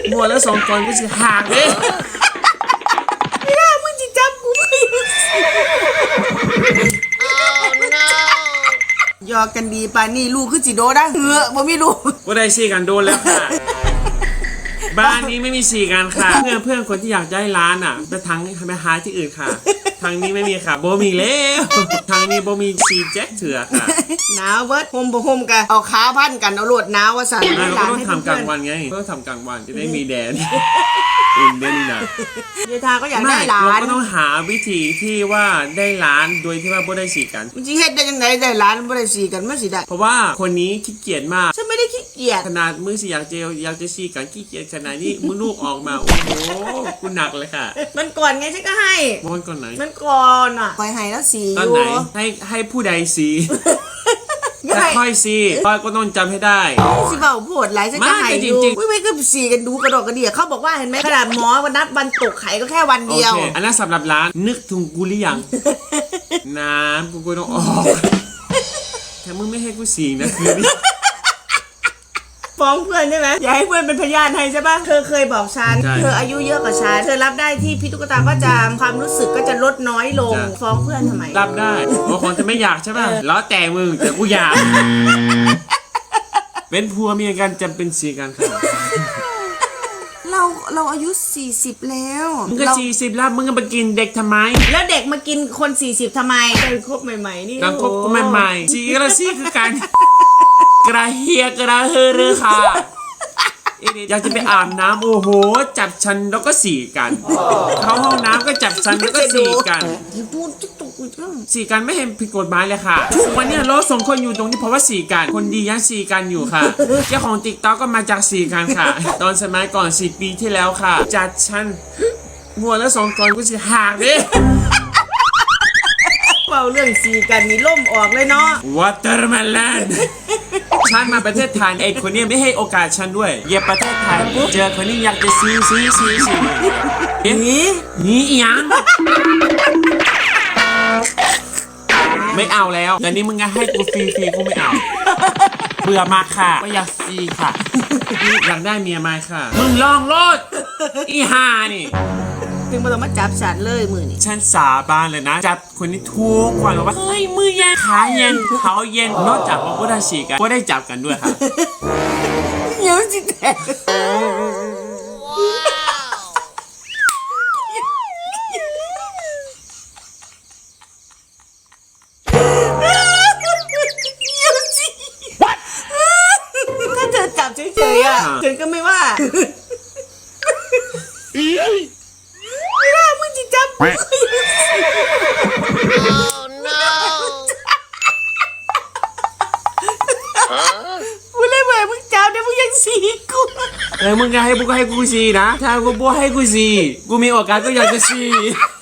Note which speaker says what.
Speaker 1: มัวแล้ว2 ตอนกูสิหักเลย
Speaker 2: ไม่ได้มึงจะจับกูไม่หยอกกันดีป่านนี่ลูกคือจิโดได้บ่มีลูก
Speaker 1: ก็ได้4 กันโดนแล้วค่ะบ้านนี้ไม่มี4 กันค่ะเพื่อนคนที่อยากได้ร้านอ่ะไปทางไปหาที่อื่นค่ะทางนี้ไม่มีค่ะโบมีแล้วทางนี้โบมี4 แจ็คเถื่อค่ะ
Speaker 2: หนาวเบิดโฮมบ่โฮมกันเอาขาพันกันเอาโลดหนาวว่าสั่น
Speaker 1: เราต้องทำกลางวันไงก็ต้องทำกลางวันจะได้มีแดดอุ่นได้นี่นะ
Speaker 2: เยทาก็อยากได้ร้าน
Speaker 1: เราก็ต้องหาวิธีที่ว่าได้ร้านโดยที่ว่าโบได้4 กัน
Speaker 2: มันจะเฮ็ดได้ยังไงได้ร้านบ่ได้4 กันมันสิได้
Speaker 1: เพราะว่าคนนี้ขี้เกียจมาก
Speaker 2: ฉันไม่ได้ขี้เกียจ
Speaker 1: ขนาดมือสิอยากจะ4 กันขี้เกียจขนาดนี้มือลูกออกมาโอ้โหกูหนักเลยค่ะ
Speaker 2: มันก่อนไงฉันก็ให้
Speaker 1: มันก่อนไหน
Speaker 2: มันก่อนอ่ะคอยให้แล้ว4
Speaker 1: ตอนไหนให้ผู้ใด4แต่ค่อย4ค่อยก็ต้องจำให้ได้
Speaker 2: สิเบาโพดหลายฉันก็ให้อยู่ไม่ก็4 กันดูกระดกกระเดี่ยเขาบอกว่าเห็นไหมขนาดหมอวันนัดวันตกไข่ก็แค่วันเดียว
Speaker 1: อันนั้นสำหรับร้านนึกถึงกูหรือยังน้ำกูต้องออกแต่มึงไม่ให้กู4 นะคือ
Speaker 2: ฟ้องเพื่อนใช่ไหมอย่าให้เพื่อนเป็นพยานให้ใช่ป่ะเธอเคยบอกฉันเธออายุเยอะกว่าฉันเธอรับได้ที่พี่ตุ๊กตาก็จะความรู้สึกก็จะลดน้อยลงฟ้องเพื่อนทำไม
Speaker 1: รับได้บางคนจะไม่อยากใช่ป่ะแล้วแต่มึงแต่กูอยากเป็นผัวเมียกันจำเป็น4 กันค่ะ
Speaker 2: เราอายุ40แล้ว
Speaker 1: มึงก็40แล้วมึงก็มากินเด็กทำไม
Speaker 2: แล้วเด็กมากินคน40ทำไมการคบใหม่ๆนี่
Speaker 1: การคบใหม่ๆ4 กับ4คือกันกระเฮียกระเฮอรือค่ะอยากจะไปอาบน้ำโอ้โหจับฉันแล้วก็4 กันเข้าห้องน้ำก็จับฉันแล้วก็4 กัน4 กันไม่เห็นผิดกฎหมายเลยค่ะวันนี้เรา2 คนอยู่ตรงนี้เพราะว่า4 กันคนดียัง4 กันอยู่ค่ะเจ้าของติ๊กต็อกก็มาจาก4 กันค่ะตอนสมัยก่อน10 ปีที่แล้วค่ะจัดฉันมัวแล้ว2 ตอนกูสิหักดิ
Speaker 2: เป่าเรื่อง4 กันนี่ล่มออกเลยเนาะ
Speaker 1: วอเตอร์แมลนฉันมาประเทศไทยไอ้คนนี้ไม่ให้โอกาสฉันด้วยเย็บประเทศไทยเจอคนนี้อยากจะซีนี่ยังไม่เอาแล้วเดี๋ยวนี้มึงจะให้กูฟรีกูไม่เอาเบื่อมากค่ะก็อยากฟรีค่ะอยากได้เมียมาค่ะมึงลองโลดอีห่านี่
Speaker 2: ถึงมาต้องมาจับฉันเลยมือนี่
Speaker 1: ฉันสาบานเลยนะจับคนนี้ทุกวันบอกว่าเฮ้ยมือเย็นขาเย็นเขาเย็นนอกจากว่าก็ได้ฉีกกันก็ได้จับกันด้วยค่ะ
Speaker 2: เยอะจริงแท้ถ้าเธอจับเฉยๆอ่ะฉันก็ไม่ว่าไม่ได้มึงจะจับกูกูเลยบอกมึงจับเดี๋ยวมึงยังสีกู
Speaker 1: มึงจะให้กู4 นะถ้ากูให้กู4กูมีโอกาสก็อยากจะ4